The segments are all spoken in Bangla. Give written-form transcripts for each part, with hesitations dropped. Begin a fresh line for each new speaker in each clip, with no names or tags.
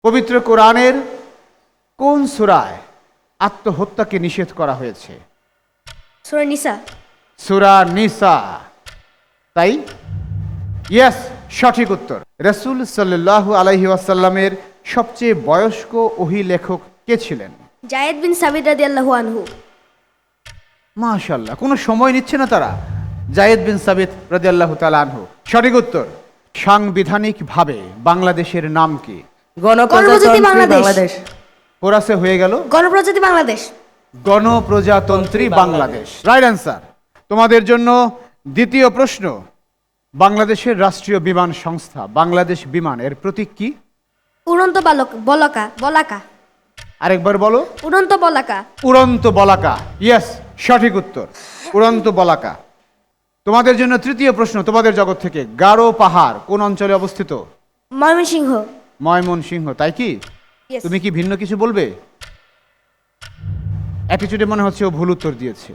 পবিত্র কোরআনের কোন সূরায় আত্মহত্যাকে নিষেধ করা হয়েছে?
সূরা নিসা।
সূরা নিসা। তাই ইয়েস, সঠিক উত্তর। রাসূল সাল্লাল্লাহু আলাইহি ওয়াসাল্লামের সবচেয়ে বয়স্ক ওহী লেখক কে ছিলেন?
জায়েদ বিন সাবিত রাদিয়াল্লাহু আনহু।
মাশাআল্লাহ, কোনো সময় নিচ্ছে না তারা। জায়েদ বিন সাবিত রাদিয়াল্লাহু তাআলা আনহু সঠিক উত্তর। সাংবিধানিকভাবে বাংলাদেশের নাম কি?
গণপ্রজাতন্ত্রী বাংলাদেশ।
বাংলাদেশ।
কোরাসে হয়ে গেল
গণপ্রজাতন্ত্রী বাংলাদেশ।
গণপ্রজাতন্ত্রী বাংলাদেশ। Right answer. তোমাদের জন্য দ্বিতীয় প্রশ্ন। বাংলাদেশের রাষ্ট্রীয় বিমান সংস্থা বাংলাদেশ বিমান এর প্রতীক কি?
উড়ন্ত বলাকা।
আরেকবার বলো।
উড়ন্ত বলাকা।
উড়ন্ত বলাকা। ইয়েস, সঠিক উত্তর, উড়ন্ত বলাকা। তোমাদের জন্য তৃতীয় প্রশ্ন তোমাদের জগৎ থেকে। গারো পাহাড় কোন অঞ্চলে অবস্থিত?
ময়মনসিংহ।
ময়মনসিংহ। তাই কি?
Yes.
তুমি কি ভিন্ন কিছু বলবে? অ্যাটিটিউডে মনে হচ্ছে ও ভুল উত্তর দিয়েছে।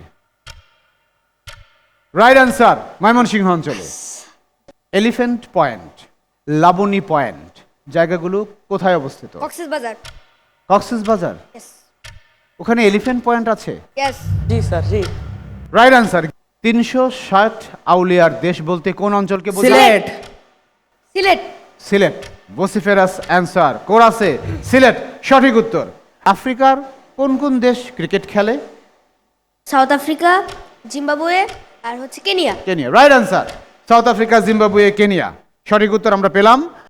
রাইট অ্যান্সার, ময়মনসিংহ অঞ্চলে। এলিফ্যান্ট পয়েন্ট, লাবণী পয়েন্ট জায়গাগুলো কোথায় অবস্থিত?
কক্সবাজার।
কক্সবাজার।
ইয়েস।
ওখানে এলিফ্যান্ট পয়েন্ট আছে?
ইয়েস।
জি স্যার, জি।
Right answer. 360 আউলিয়ার দেশ বলতে কোন অঞ্চলকে বোঝায়?
সিলেট।
সিলেট।
সিলেট। বসিফেরাস অ্যান্সার। কোরাসে, সিলেট সঠিক উত্তর। আফ্রিকার কোন কোন দেশ ক্রিকেট খেলে?
সাউথ আফ্রিকা, জিম্বাবুয়ে আর হচ্ছে Kenya.
Kenya. Right answer. South Africa, Zimbabwe, Kenya সঠিক উত্তর আমরা পেলাম।